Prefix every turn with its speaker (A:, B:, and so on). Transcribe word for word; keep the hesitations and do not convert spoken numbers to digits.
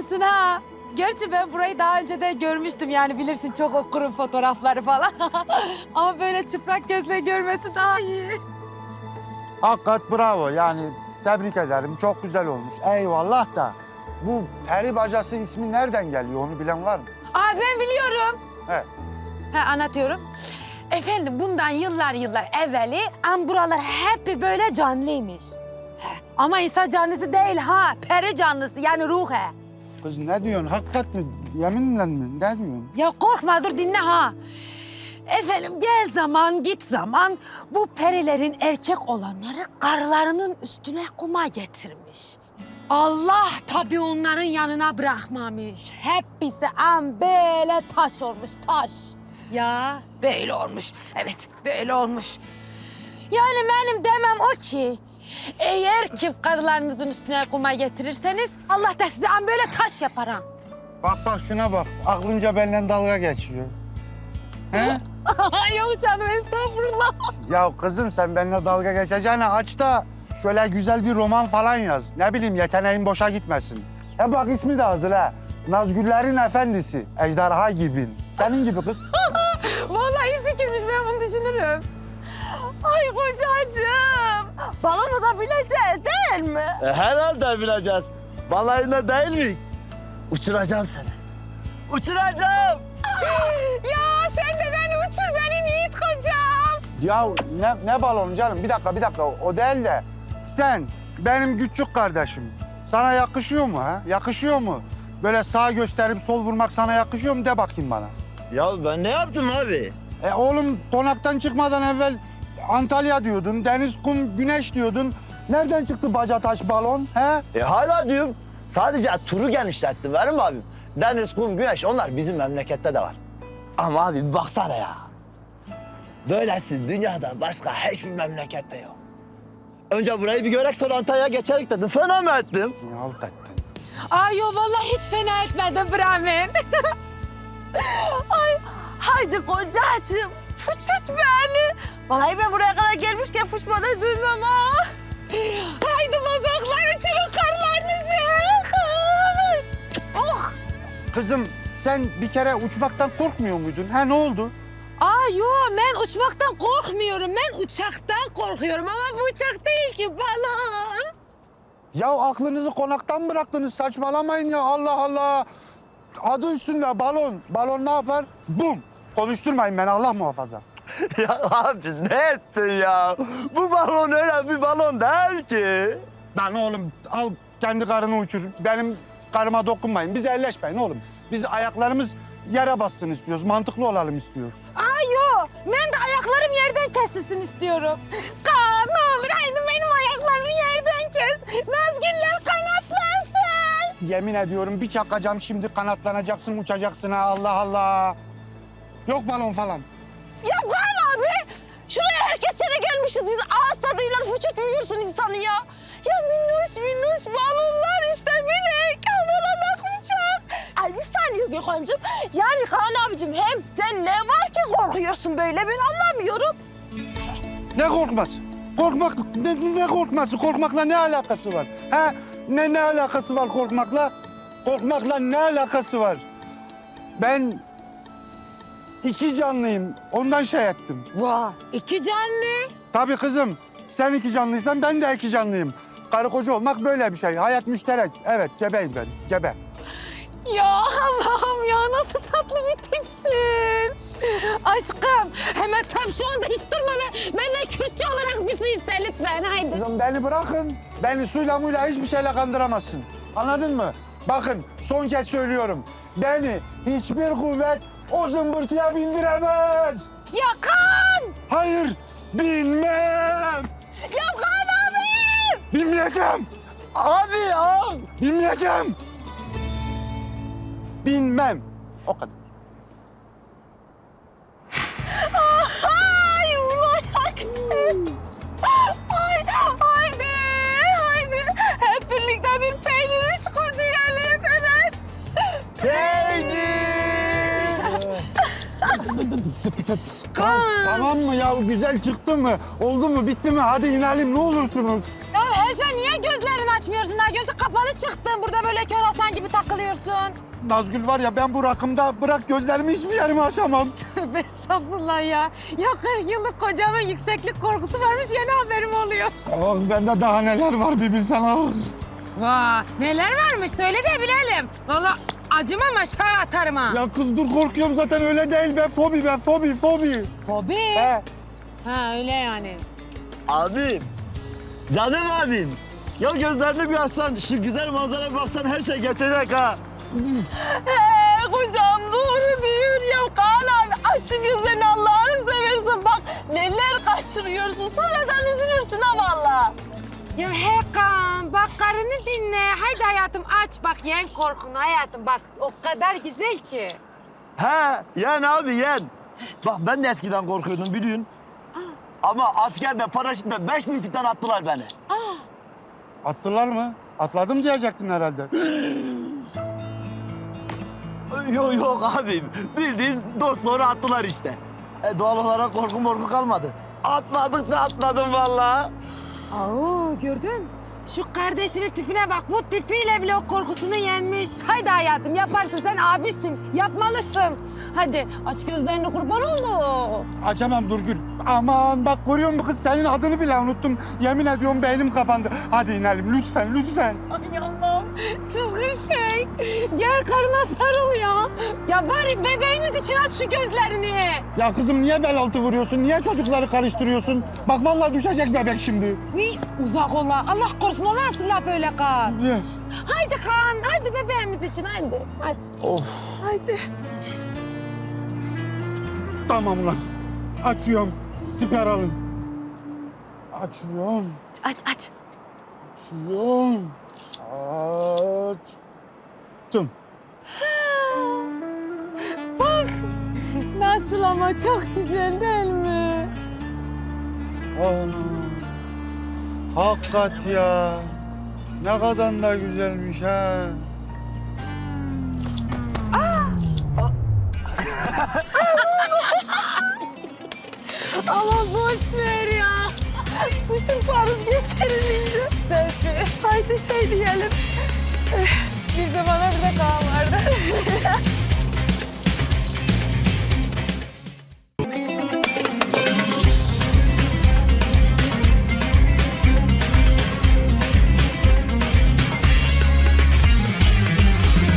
A: yapmışsın ha. Gerçi ben burayı daha önce de görmüştüm yani bilirsin çok okurum fotoğrafları falan. Ama böyle çıplak gözle görmesi daha iyi.
B: Hakikat bravo yani tebrik ederim çok güzel olmuş. Eyvallah da bu peri bacası ismi nereden geliyor onu bilen var mı?
A: Aa ben biliyorum.
B: He.
A: He anlatıyorum. Efendim bundan yıllar yıllar evveli am buralar hep bir böyle canlıymış. He. Ama insan canlısı değil ha. Peri canlısı yani ruh he.
B: Kız ne diyorsun hakikat mi yeminle mi ne diyorsun?
A: Ya korkma dur dinle ha. Efendim gel zaman git zaman bu perilerin erkek olanları karılarının üstüne kuma getirmiş. Allah tabii onların yanına bırakmamış. Hepsi am böyle taş olmuş taş. Ya böyle olmuş. Evet böyle olmuş. Yani benim demem o ki eğer ki karılarınızın üstüne kuma getirirseniz Allah da size am böyle taş yapar ha.
B: Bak bak şuna bak aklınca benimle dalga geçiyor. He?
A: Yok canım estağfurullah.
B: Ya kızım sen benimle dalga geçeceğine aç da şöyle güzel bir roman falan yaz. Ne bileyim yeteneğin boşa gitmesin. He bak ismi de hazır ha. Nazgüllerin Efendisi. Ejderha gibi. Senin gibi kız.
A: Vallahi iyi fikirmiş ben bunu düşünürüm. Ay kocacığım. Balonu da bileceğiz değil mi?
C: E, herhalde bileceğiz. Balayında değil mi? Uçuracağım seni. Uçuracağım.
A: Ya sen de beni uçur benim yiğit kocam.
B: Ya ne, ne balonu canım? Bir dakika bir dakika o değil de sen benim küçük kardeşim. Sana yakışıyor mu ha? Yakışıyor mu? Böyle sağ gösterip sol vurmak sana yakışıyor mu? De bakayım bana.
C: Ya ben ne yaptım abi?
B: E oğlum konaktan çıkmadan evvel Antalya diyordun, deniz, kum, güneş diyordun. Nereden çıktı baca taş balon he?
C: E hala diyorum. Sadece turu genişlettim verim mi abim? Deniz, kum, güneş onlar bizim memlekette de var. Ama abi bir baksana ya. Böylesi dünyada başka hiçbir memlekette yok. Önce burayı bir görek sonra Antalya'ya geçerek dedim. Fena mı ettim?
B: Ne halt ettin?
A: Ay yo vallahi hiç fena etmedim Brahmin. Ay haydi kocacığım fıçırt beni. Vallahi ben buraya kadar gelmişken fıçmadan dönmem ha. Haydi bozoklar uçurun karlarınızı. Oh.
B: Kızım sen bir kere uçmaktan korkmuyor muydun? Ha ne oldu?
A: Aa yo ben uçmaktan korkmuyorum. Ben uçaktan korkuyorum ama bu uçak değil ki balon.
B: Ya aklınızı konaktan bıraktınız saçmalamayın ya Allah Allah. Adı üstünde balon. Balon ne yapar? Bum. Konuşturmayın beni Allah muhafaza.
C: Ya abi ne ettin ya? Bu balon öyle bir balon değil ki.
B: Lan oğlum al kendi karını uçur. Benim karıma dokunmayın. Biz elleşmeyin oğlum. Biz ayaklarımız yere bassın istiyoruz. Mantıklı olalım istiyoruz.
A: Aa yo ben de ayaklarım yerden kesilsin istiyorum. Kaan ne olur haydi benim ayaklarımı yerden kes. Nazgüller kanatlansın.
B: Yemin ediyorum bir çakacağım şimdi kanatlanacaksın uçacaksın ha Allah Allah. Yok balon falan.
D: Ya Kaan abi, şuraya herkes yere gelmişiz biz. Ağız tadıyla fıçırtmıyorsun insanı ya. Ya minnoş minnoş balonlar işte minik. Havalara uçak. Ay bir saniye Gökhan'cığım. Yani Kaan abicim hem sen ne var ki korkuyorsun böyle ben anlamıyorum.
B: Ne korkması? Korkmak ne, ne korkması? Korkmakla ne alakası var? Ha? Ne ne alakası var korkmakla? Korkmakla ne alakası var? Ben iki canlıyım. Ondan şey ettim.
A: Vah iki canlı.
B: Tabii kızım. Sen iki canlıysan ben de iki canlıyım. Karı koca olmak böyle bir şey. Hayat müşterek. Evet gebeyim ben. Gebe.
A: Ya Allah'ım ya nasıl tatlı bir tipsin. Aşkım hemen tam şu anda hiç durma ve benden Kürtçe olarak bir su iste lütfen haydi.
B: Kızım beni bırakın. Beni suyla muyla hiçbir şeyle kandıramazsın. Anladın mı? Bakın son kez söylüyorum. Beni hiçbir kuvvet o zımbırtıya bindiremez.
A: Ya Kaan.
B: Hayır, binmem.
D: Ya Kaan abi!
B: Binmeyeceğim.
C: Abi ya.
B: Binmeyeceğim. Binmem. O kadar.
D: Ay ulan Ay haydi haydi. Hep birlikte bir peynir işko diyelim evet.
C: Peynir.
B: Tamam, tamam mı ya? Güzel çıktı mı? Oldu mu? Bitti mi? Hadi inelim ne olursunuz.
D: Ya
A: Ayşe niye gözlerini açmıyorsun? Ha? Gözü kapalı çıktın. Burada böyle kör aslan gibi takılıyorsun.
B: Nazgül var ya ben bu rakımda bırak gözlerimi hiçbir yerime açamam.
A: Tövbe estağfurullah ya. Ya kırk yıllık kocamın yükseklik korkusu varmış yeni haberim oluyor.
B: Ah bende daha neler var bir bilsen ah.
A: Vay neler varmış söyle de bilelim. Vallahi acımam aşağı atarım ha.
B: Ya kız dur korkuyorum zaten öyle değil be fobi be fobi fobi.
A: Fobi.
B: He.
A: Ha öyle yani.
C: Abim, canım abim. Ya gözlerini bir açsan, şu güzel manzaraya baksan her şey geçecek ha.
D: He kocam doğru diyor ya Kaan abi. Aç şu gözlerini Allah'ını seversen bak neler kaçırıyorsun. Sonradan üzülürsün ha valla.
A: Ya Hakan bak karını dinle. Haydi hayatım aç bak yen korkunu hayatım bak o kadar güzel ki.
C: He, yen abi yen. Bak ben de eskiden korkuyordum biliyorsun. Ama askerde paraşütle beş bin fitten attılar beni.
B: Attılar mı? Atladım diyecektin herhalde.
C: Yok yok abim. Bildiğin dostları attılar işte. E, doğal olarak korku morku kalmadı. Atladıkça atladım vallahi.
A: Aa gördün. Şu kardeşinin tipine bak bu tipiyle bile o korkusunu yenmiş. Haydi hayatım yaparsın sen abisin yapmalısın. Hadi aç gözlerini kurban oldu.
B: Açamam Durgül. Aman bak görüyor musun kız senin adını bile unuttum. Yemin ediyorum beynim kapandı. Hadi inelim lütfen lütfen.
A: Ay Allah'ım çılgın şey. Gel karına sarıl ya. Ya bari bebeğimiz için aç şu gözlerini.
B: Ya kızım niye bel altı vuruyorsun? Niye çocukları karıştırıyorsun? Bak vallahi düşecek bebek şimdi.
A: Uy, uzak ola. Allah korusun o nasıl laf öyle Kaan?
B: Üf.
A: Haydi Kaan, haydi bebeğimiz için haydi. Aç.
C: Of.
A: Haydi.
B: Tamam ulan. Açıyorum. Siper alın. Açıyorum.
A: Aç aç.
B: Açıyorum. Açtım.
A: Bak nasıl ama çok güzel değil mi?
B: Ana. Hakikat ya. Ne kadar da güzelmiş ha.
A: Ama boş ver ya.
D: Suçun farız geçerim ince.
A: Selfie.
D: Haydi şey diyelim.
A: Bir de bana bir de Kaan vardı.